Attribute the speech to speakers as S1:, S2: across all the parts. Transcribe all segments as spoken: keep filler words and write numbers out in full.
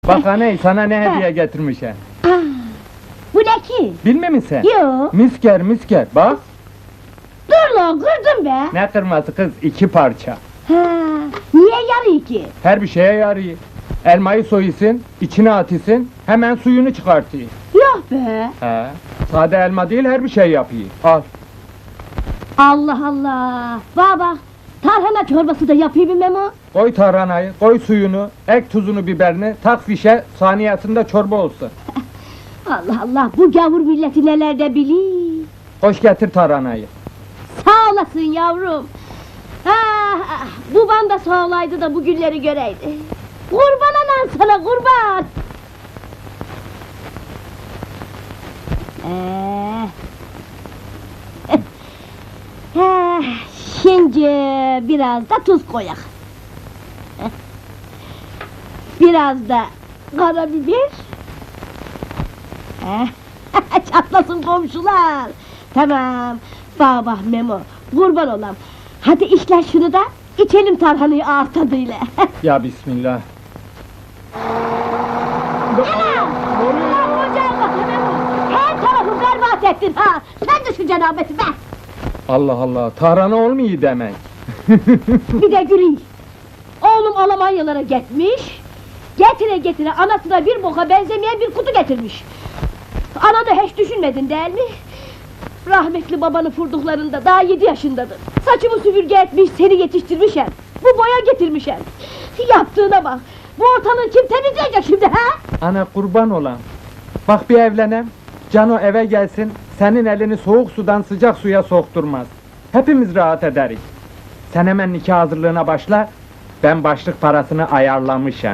S1: Bak aney, sana ne hediye getirmiş he.
S2: Aa, bu ne ki?
S1: Bilmiyor musun sen?
S2: Yo,
S1: Misker, misker, bak.
S2: dur lan kırdın be!
S1: Ne kırması kız, iki parça.
S2: Ha, niye yarıyor ki?
S1: Her bir şeye yarıyor. Elmayı soyusun, içine atısın, hemen suyunu çıkartıyor.
S2: Yok be!
S1: He. Sade elma değil, her bir şey yapıyor. Al.
S2: Allah Allah! Bak bak, tarhana çorbası da yapayım mı Memo?
S1: Koy tarhanayı, koy suyunu, ek tuzunu, biberini, tak fişe, saniyesinde çorba olsun.
S2: Allah Allah, bu gavur milleti neler de bilir!
S1: Koş getir tarhanayı.
S2: Sağ olasın yavrum! Ah, ah, baban da sağ olaydı da bu günleri göreydi! Kurban anan sana, kurban! Ee, eh, şimdi biraz da tuz koyak. Eh, Biraz da karabiber. Eh, Çatlasın komşular! Tamam, baba Memo, kurban olam. Hadi işler şunu da, içelim tarhanayı ağız tadıyla.
S1: Ya bismillah.
S2: Anam! Ulan ocağa bak Memo! Her tarafı berbat ettin ha! Sen de şu cenabeti be!
S1: Allah Allah, tarhana olmuyor demek.
S2: Bir de güleyim! Oğlum Almanyalara gitmiş, getire getire anasına bir boka benzemeyen bir kutu getirmiş. Ana da hiç düşünmedin değil mi? Rahmetli babanı vurduklarında daha yedi yaşındadır. Saçımı süpürge etmiş, seni yetiştirmiş hem. Bu boya getirmiş hem. Yaptığına bak! Bu ortalığı kim temizleyecek şimdi ha?
S1: Ana kurban olan. Bak bir evlenem, Cano eve gelsin, senin elini soğuk sudan sıcak suya sokturmaz. Hepimiz rahat ederiz. Sen hemen nikah hazırlığına başla, ben başlık parasını ayarlamışım.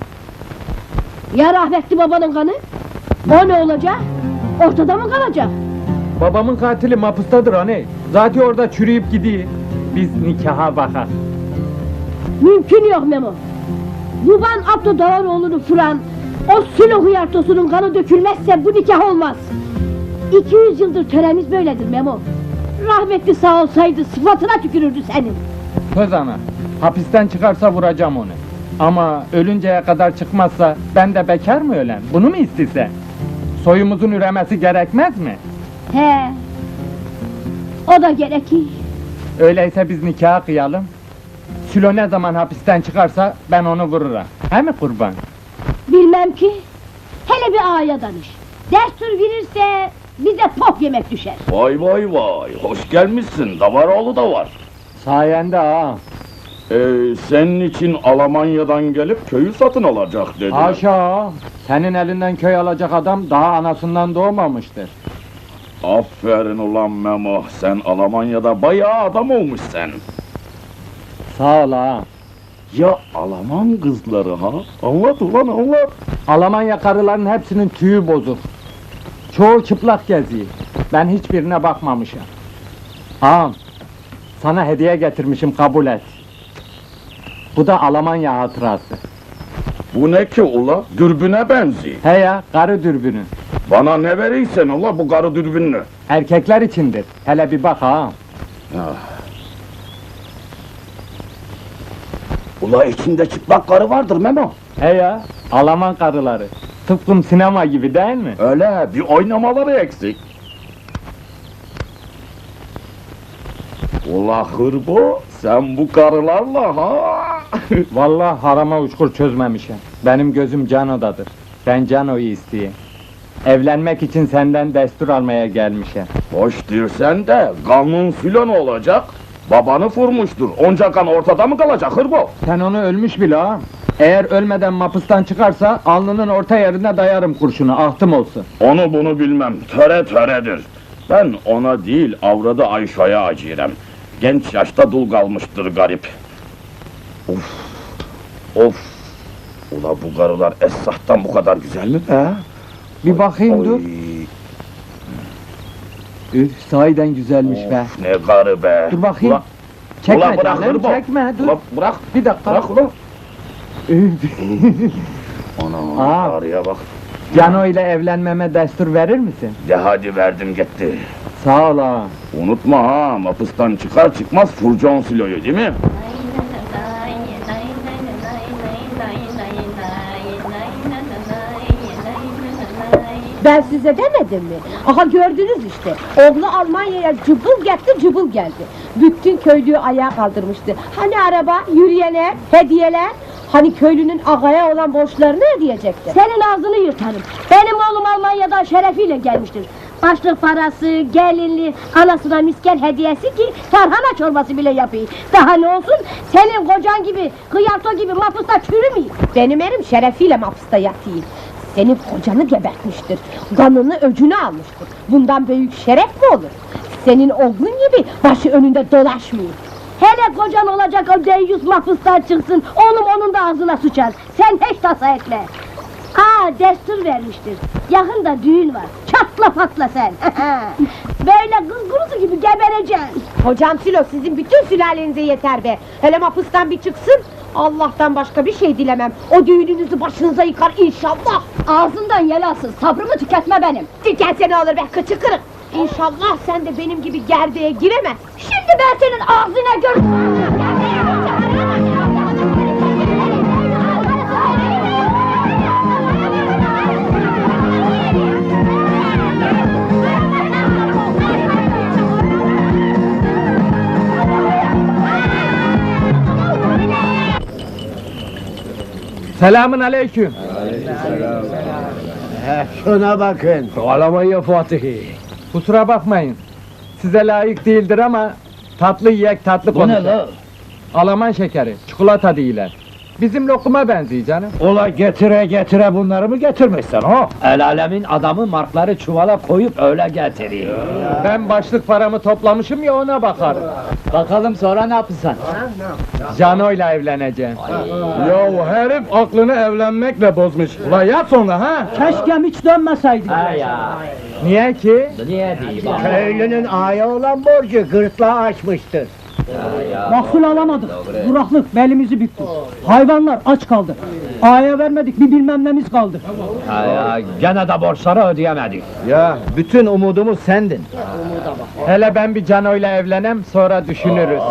S2: Ya rahmetli babanın kanı? O ne olacak? Ortada mı kalacak?
S1: Babamın katili mapustadır anne. Zaten orada çürüyüp gidiyor. Biz nikaha bakar.
S2: Mümkün yok Memo! Baban Abdü Davaroğlu'nu fıran, o Sülo hıyartosunun kanı dökülmezse bu nikah olmaz! iki yüz yıldır töremiz böyledir Memo! Rahmetli sağ olsaydı sıfatına tükürürdü senin!
S1: Söz ana, hapisten çıkarsa vuracağım onu. Ama ölünceye kadar çıkmazsa ben de bekar mı ölen? Bunu mu istese? Soyumuzun üremesi gerekmez mi?
S2: He, o da gerekir!
S1: Öyleyse biz nikah kıyalım. Sülo ne zaman hapisten çıkarsa ben onu vururum. He mi kurban?
S2: Bilmem ki, hele bir ağaya danış! Destur verirse bize pop yemek düşer!
S3: Vay vay vay, hoş gelmişsin, Davaroğlu da var.
S1: Sayende ha.
S3: Ee, senin için Almanya'dan gelip köyü satın alacak dedi.
S1: Haşa! Senin elinden köy alacak adam daha anasından doğmamıştır.
S3: Aferin ulan Memo, sen Almanya'da bayağı adam olmuş sen.
S1: Sağ ol ha.
S3: Ya Alman kızları ha? Anlat ulan anlat.
S1: Almanya karıların hepsinin tüyü bozuk. Çoğu çıplak geziyor. Ben hiçbirine bakmamışım. Ağam, sana hediye getirmişim, kabul et. Bu da Almanya hatırası.
S3: Bu ne ki ula? Dürbüne benziyor.
S1: He ya, karı dürbünü.
S3: Bana ne verirsen ula bu karı dürbünlü.
S1: Erkekler içindir. Hele bir bak ağam.
S3: Ula içinde çıplak karı vardır Memo.
S1: He ya, Alman karıları. Tıpkı sinema gibi değil mi?
S3: Öyle, bir oynamaları eksik. Ula hırbo, sen bu karılarla ha?
S1: Vallahi harama uçkur çözmemişim. Benim gözüm Cano'dadır. Ben Cano'yu isteyeyim. Evlenmek için senden destur almaya gelmişim.
S3: Hoş dirsen de, kanun filan olacak. Babanı vurmuştur, onca kan ortada mı kalacak hırbo?
S1: Sen onu ölmüş bile ağam. Eğer ölmeden mapustan çıkarsa, alnının orta yerine dayarım kurşunu, ahtım olsun.
S3: Onu bunu bilmem, töre töredir. Ben ona değil, avradı Ayşe'ye acirem. Genç yaşta dul kalmıştır garip. Of, of! Ula bu karılar esnaftan bu kadar güzel mi be?
S1: Bir bakayım dur. Üf, sahiden güzelmiş be.
S3: Of, ne karı be!
S1: Dur bakayım.
S3: Ula,
S1: Çekme
S3: ula bırak
S1: canım,
S3: hırbo!
S1: çekme, dur.
S3: Ula bırak!
S1: Bir dakika.
S3: Bırak ulan!
S1: Üf,
S3: Ana,
S1: Aa.
S3: karıya bak!
S1: Cano ile evlenmeme destur verir misin?
S3: De hadi verdim gitti.
S1: Sağ ol ağam.
S3: Unutma ha, mapıstan çıkar çıkmaz Furcan Silo'yu değil mi?
S4: Nay nay nay nay nay nay nay nay nay nay nay nay
S2: Ben size demedim mi? Aha gördünüz işte. Oğlu Almanya'ya cıbıl gitti cıbıl geldi. Bütün köylüyü ayağa kaldırmıştı. Hani araba, yürüyenler, hediyeler? Hani köylünün ağaya olan borçlarını ödeyecekti. Senin ağzını yırtarım. Benim oğlum Almanya'dan şerefiyle gelmiştir. Başlık parası, gelinli, anasına miskel hediyesi ki tarhana çorbası bile yapayım. Daha ne olsun, senin kocan gibi, kıyarto gibi mapusta çürümeyeyim. Benim erim şerefiyle mapusta yatayım. Senin kocanı gebertmiştir, kanını öcünü almıştır. Bundan büyük şeref mi olur? Senin oğlun gibi başı önünde dolaşmıyor. Hele kocan olacak o deyyus mahpustan çıksın, oğlum onun da ağzına sıçar. Sen hiç tasa etme. Aa, destur vermiştir. Yakında düğün var. Çatla patla sen. Böyle kız kurusu gibi gebereceksin.
S4: Hocam Silo, sizin bütün sülalenize yeter be. Hele mapustan bir çıksın, Allah'tan başka bir şey dilemem. O düğününüzü başınıza yıkar inşallah.
S2: Ağzından yel alsın, sabrımı tüketme benim.
S4: Tüketse ne olur be, kıçı kırık. İnşallah sen de benim gibi gerdeğe giremez.
S2: Şimdi ben senin ağzına gör...
S1: Selamün aleyküm.
S5: Şuna bakın. Alamayı Fatih'i.
S1: Kusura bakmayın. Size layık değildir ama tatlı yiyek tatlı
S5: Bu ne
S1: konuşak.
S5: la?
S1: Alaman şekeri, çikolata değiller. Bizim lokuma benziyor canım.
S5: Ola getire getire bunları mı getirmişsin o? El alemin adamı markları çuvala koyup öyle getiriyor.
S1: Ben başlık paramı toplamışım ya ona bakarım.
S5: Bakalım sonra ne yapırsan?
S1: Cano'yla evleneceğim. Ya herif aklını evlenmekle bozmuş. Ula yat sonra ha?
S6: Keşke hiç dönmeseydin.
S5: Ha ya.
S1: Niye ki?
S5: Niye değil bak?
S7: Köylünün aya olan borcu gırtlağı açmıştır.
S6: Mahsul alamadık. Kuraklık belimizi büktü. Hayvanlar aç kaldı. Aya vermedik bir bilmem nemiz kaldı.
S5: Ha ya. Gene de borçları ödeyemedik.
S7: Ya bütün umudumuz sendin.
S1: Hele ben bir Cano'yla evlenem sonra düşünürüz.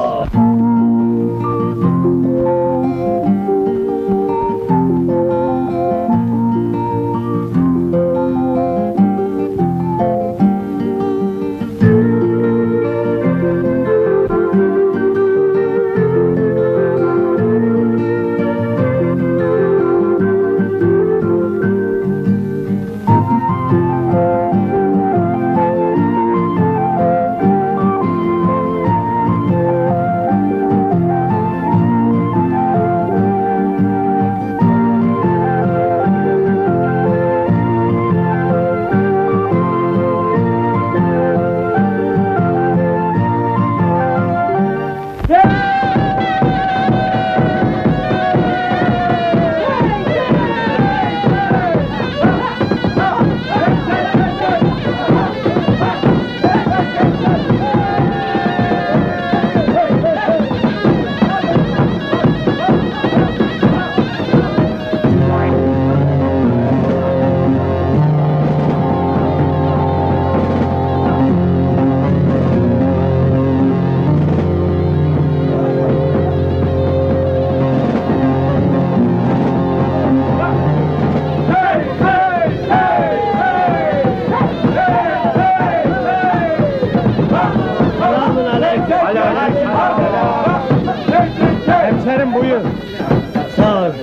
S1: Hemşerim buyur.
S7: Sağ ol.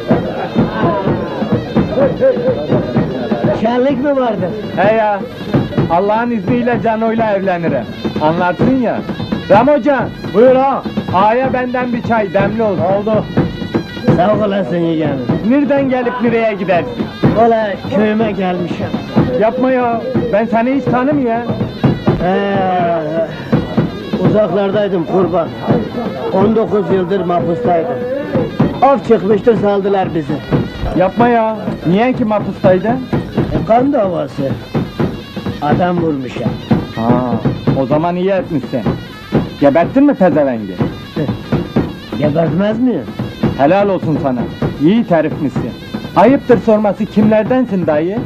S7: Şenlik mi vardı?
S1: He ya, Allah'ın izniyle Cano'yla evlenirim. Anlarsın ya. Ram Hoca, buyur ha. Ağaya benden bir çay, demli olsun. Oldu.
S7: Sağ olasın yeğenim.
S1: Nereden gelip nereye gidersin?
S7: Ola köyüme gelmişim.
S1: Yapma ya, ben seni hiç tanımıyorum.
S7: Ee, uzaklardaydım kurban. on dokuz yıldır mahpustaydım. Af çıkmıştır saldılar bizi.
S1: Yapma ya, niye ki mapustaydın?
S7: E, kan davası. Adam vurmuş ya.
S1: Ha, o zaman iyi etmişsin. Gebettin mi pezevengi?
S7: Gebertmez miyim?
S1: Helal olsun sana, iyi terifmişsin. Ayıptır sorması kimlerdensin dayı?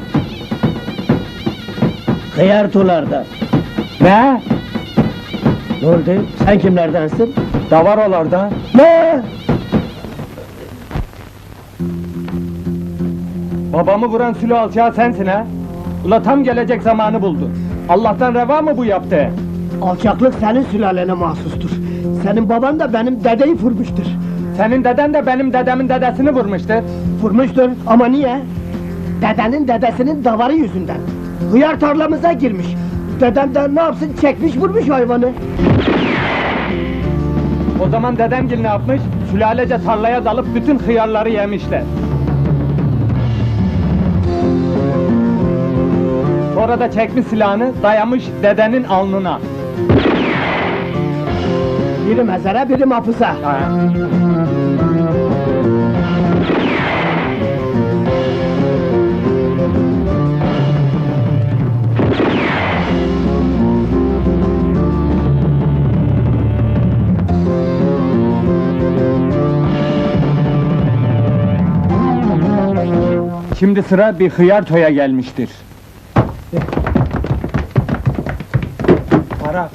S7: Kıyartulardan.
S1: Ne?
S7: Ne oldu? Sen kimlerdensin?
S1: Davarolardan.
S7: Ne?
S1: Babamı vuran Sülo alçağı sensin ha? Ula tam gelecek zamanı buldu. Allah'tan reva mı bu yaptı?
S7: Alçaklık senin sülalene mahsustur. Senin baban da benim dedeyi vurmuştur.
S1: Senin deden de benim dedemin dedesini vurmuştur.
S7: Vurmuştur ama niye? Dedenin dedesinin davarı yüzünden. Hıyar tarlamıza girmiş. Dedem de ne yapsın, çekmiş vurmuş hayvanı.
S1: O zaman dedemgil ne yapmış? Sülalece tarlaya dalıp bütün hıyarları yemişler. Sonra da çekmiş silahını, dayamış dedenin alnına.
S7: Biri mezara, biri mahpusa.
S1: Ha. Şimdi sıra bir hıyar toya gelmiştir. Para.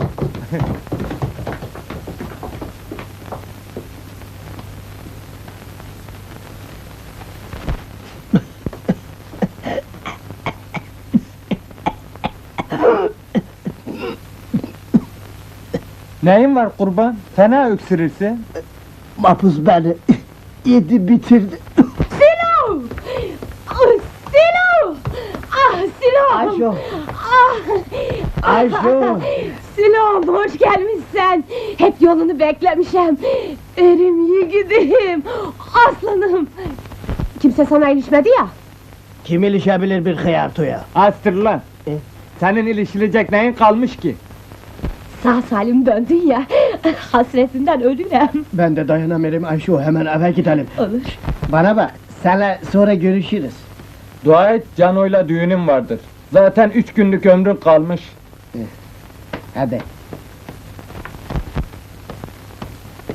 S1: Neyin var kurban? Fena öksürürsün.
S7: Mahpus beni yedi bitirdi.
S2: Silo! Ah, Silo! Ah, Silo!
S7: Ayşo,
S2: Ah!
S7: Ayşo.
S2: Silo'm, hoş gelmişsen. Hep yolunu beklemişim. Erim yiğidim, aslanım. Kimse sana ilişmedi ya.
S7: Kim ilişebilir bir hıyartoya?
S1: Astır lan!
S7: E?
S1: Senin ilişilecek neyin kalmış ki?
S2: Sağ salim döndün ya, hasretinden ölürüm.
S7: Ben de dayanamıyorum Ayşo, hemen eve gidelim.
S2: Olur.
S7: Bana bak, seninle sonra görüşürüz.
S1: Dua et, Cano'yla düğünüm vardır. Zaten üç günlük ömrün kalmış.
S7: Hadi.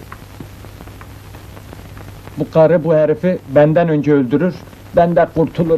S1: Bu karı bu herifi benden önce öldürür, ben de kurtulurum.